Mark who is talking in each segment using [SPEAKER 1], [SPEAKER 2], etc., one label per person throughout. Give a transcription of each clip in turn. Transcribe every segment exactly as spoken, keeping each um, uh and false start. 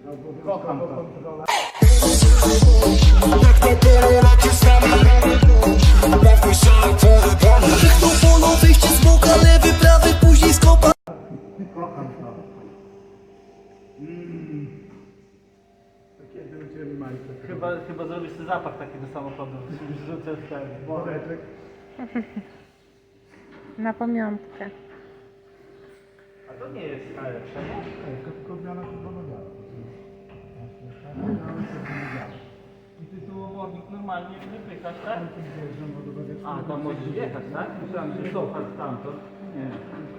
[SPEAKER 1] Kocham to.
[SPEAKER 2] Krzyknął polo, wyjście z boka, lewy, prawy, później skopa.
[SPEAKER 1] Kocham to. Mmm. Takie będziemy majce.
[SPEAKER 3] Chyba, chyba zrobisz sobie zapach taki do samochodu. Rzucę w ten
[SPEAKER 1] Woreczek.
[SPEAKER 4] Na pamiątkę.
[SPEAKER 3] A to nie jest najlepsze, nie?
[SPEAKER 1] Tylko odmiana czerwono-biała.
[SPEAKER 3] I ty tu obornik normalnie wypychasz, tak? A, tam możesz jechać, tak? Myślałem, że cofać stamtąd. Nie.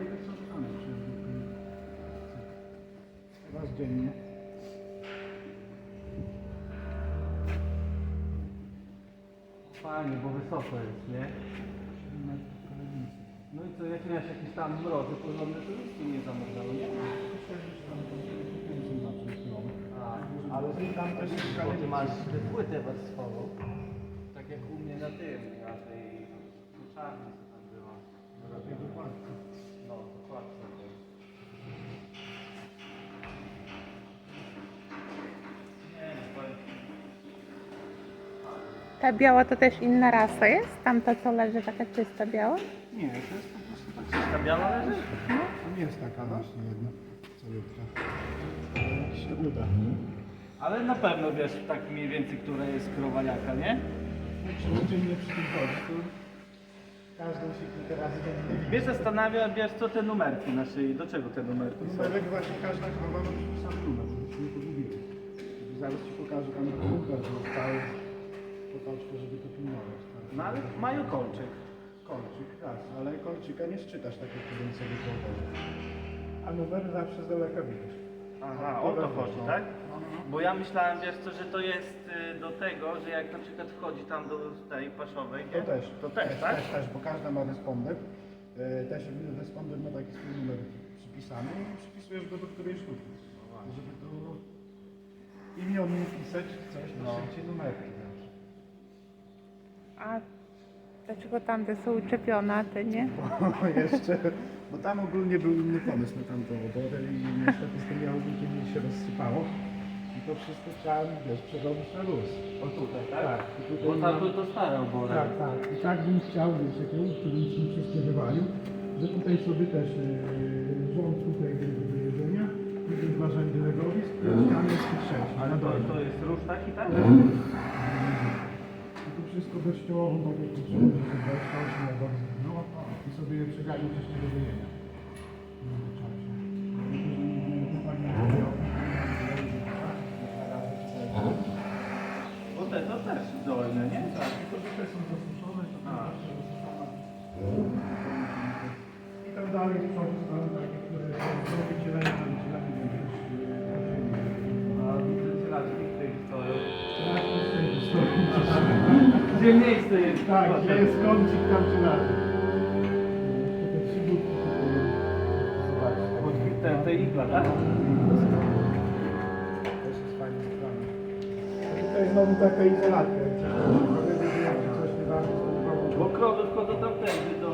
[SPEAKER 1] Raz dziennie.
[SPEAKER 3] Fajnie, bo wysoko jest, nie? No i co, jak miałeś jakieś tam mrozy porządne, to nic ci nie zamrozało, nie? A,
[SPEAKER 1] Ale tam też
[SPEAKER 3] bo ty masz płytę warstwową. Tak jak u mnie na tym, na tej czarnej, co tam była. No, dokładnie. Nie, nie, powiem ci.
[SPEAKER 4] Ta biała to też inna rasa jest? Tamta co leży taka czysta biała?
[SPEAKER 1] Nie, to jest po prostu tak.
[SPEAKER 3] Ta biała leży?
[SPEAKER 1] To nie jest taka właśnie jedna calutka. Jak się uda.
[SPEAKER 3] Ale na pewno wiesz tak mniej więcej, która jest krowaniaka, nie?
[SPEAKER 1] Jak się codziennie przy tym chodzi, to każdą się kilka razy będzie.
[SPEAKER 3] Mnie zastanawia, wiesz co te numerki na szyi, do czego te numerki są?
[SPEAKER 1] Numerek właśnie każda krowa ma sam numer, żebyśmy nie pogubili. Zaraz ci pokażę tam numer, że cały potoczkę, żeby to pilnować. Tak.
[SPEAKER 3] No ale mają kolczyk.
[SPEAKER 1] Kolczyk, tak, ale kolczyka nie szczytasz tak jak jeden sobie kołowany. A numer zawsze z daleka widać.
[SPEAKER 3] Aha, o to chodzi, tak? Bo ja myślałem, wiesz co, że to jest y, do tego, że jak na przykład wchodzi tam do tej paszowej,
[SPEAKER 1] To
[SPEAKER 3] nie?
[SPEAKER 1] też.
[SPEAKER 3] To też, tak?
[SPEAKER 1] Też, też, bo każda ma responder. E, Też responder ma taki swój numer przypisany i przypisujesz go do której sztuki. Żeby to imiennie pisać coś, to
[SPEAKER 3] No.
[SPEAKER 1] szybciej numerki zawsze.
[SPEAKER 4] A dlaczego tamte są uczepione, a te nie?
[SPEAKER 1] O, jeszcze, bo tam ogólnie był inny pomysł na tamtą oborę i niestety z tym jałownikiem mi się rozsypało. I to wszystko trzeba, wiesz, przerobić na luz.
[SPEAKER 3] O tutaj, tak?
[SPEAKER 1] Tak. I tutaj
[SPEAKER 3] Bo tam
[SPEAKER 1] mam-
[SPEAKER 3] to, to stare obory.
[SPEAKER 1] Tak, tak. I tak bym chciał, wiesz, jak jałówki bym się wszystkie wywalił, że tutaj sobie też yy, rząd tutaj do jedzenia, tutaj dwa rzędy legowisk, ściany jest tych sześć.
[SPEAKER 3] Ale
[SPEAKER 1] na
[SPEAKER 3] to,
[SPEAKER 1] dole.
[SPEAKER 3] to jest róż taki, tak?
[SPEAKER 1] I to wszystko dościowo, tak jak tu trzeba, że dwadzieścia osiem legowisk no, i sobie je przeganił coś do wyjenia. W międzyczasie. Tylko, że nie wiem, to fajnie robią.
[SPEAKER 3] Bo te to też dolne, nie?
[SPEAKER 1] Tak, tylko że te są zasuszone, to
[SPEAKER 3] A.
[SPEAKER 1] zawsze zasuszone. I tam dalej w przodu stały takie, które są do wycielenia, do wycielenia będziesz
[SPEAKER 3] A widzę cielaczki w tej stoją.
[SPEAKER 1] tak,
[SPEAKER 3] Gdzie miejsce jest?
[SPEAKER 1] tak, gdzie jest kącik, tam czy na tym. Te trzy budki zobaczcie.
[SPEAKER 3] Pod te, te igla, tak?
[SPEAKER 1] Też jest fajna sprawa. A tutaj znowu taka izolatka. Jak coś coś nie da, to
[SPEAKER 3] Bo krowy wchodzą tamtędy do...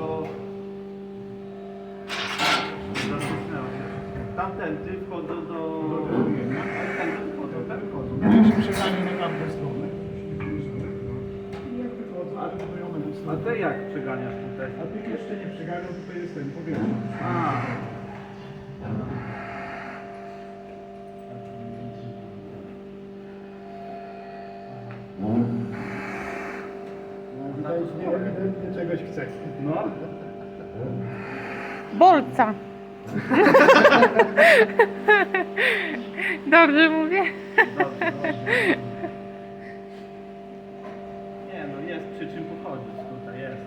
[SPEAKER 3] Zasłuchnęło się. Tamtędy wchodzą do...
[SPEAKER 1] do wyjenia.
[SPEAKER 3] Ale tędy wchodzą, tak?
[SPEAKER 1] Jak się przeganie na tamtą stronę, i jak wychodzą, a budują na
[SPEAKER 3] A ty jak przeganiasz tutaj?
[SPEAKER 1] A tych jeszcze nie przeganiał, tutaj jest ten powierzchnia.
[SPEAKER 3] A.
[SPEAKER 1] No, widać, nie, ewidentnie czegoś chce.
[SPEAKER 3] No.
[SPEAKER 4] Bolca! Dobrze mówię?
[SPEAKER 3] Dobrze, dobrze. Nie no, jest przy czym pochodzić tutaj, jest.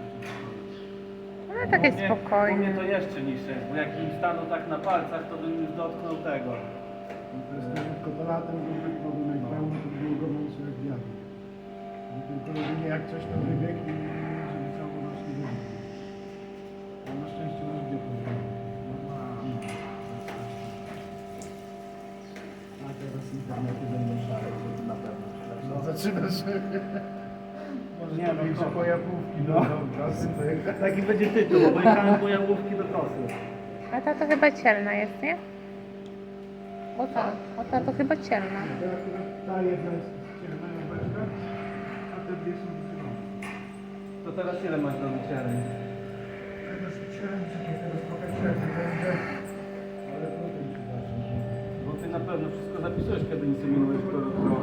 [SPEAKER 4] No takie
[SPEAKER 3] U mnie- U mnie
[SPEAKER 4] spokojne.
[SPEAKER 3] to jeszcze niższe jest, bo jak im staną tak na palcach, to bym już dotknął tego.
[SPEAKER 1] To jest tylko to latem, żeby wypadł na pełno, to było gorąco jak wiatr. I tylko jedynie jak coś tam wybiegł i żeby cało rośnie wybiegł. A na szczęście nasz gdzie to A teraz internety będą szare, to na pewno. No zaczynasz. Może
[SPEAKER 3] Nie,
[SPEAKER 1] nie,
[SPEAKER 3] no,
[SPEAKER 1] większe
[SPEAKER 3] to-
[SPEAKER 1] pojawówki
[SPEAKER 3] no.
[SPEAKER 1] do kasy.
[SPEAKER 3] Taki będzie tytuł, bo pojechałem po jałówki do kosy.
[SPEAKER 4] A ta to chyba cielna jest, nie? O ta, o ta to chyba cielna.
[SPEAKER 1] To akurat ta jedna jest ciemna beczka, a te dwie są zielone.
[SPEAKER 3] To teraz ile masz do wyciemy?
[SPEAKER 1] Teraz chciałem, czekaj, teraz pokażę, będzie, ale potem ci zacznie.
[SPEAKER 3] Bo ty na pewno wszystko zapisujesz, kiedy inseminujesz to.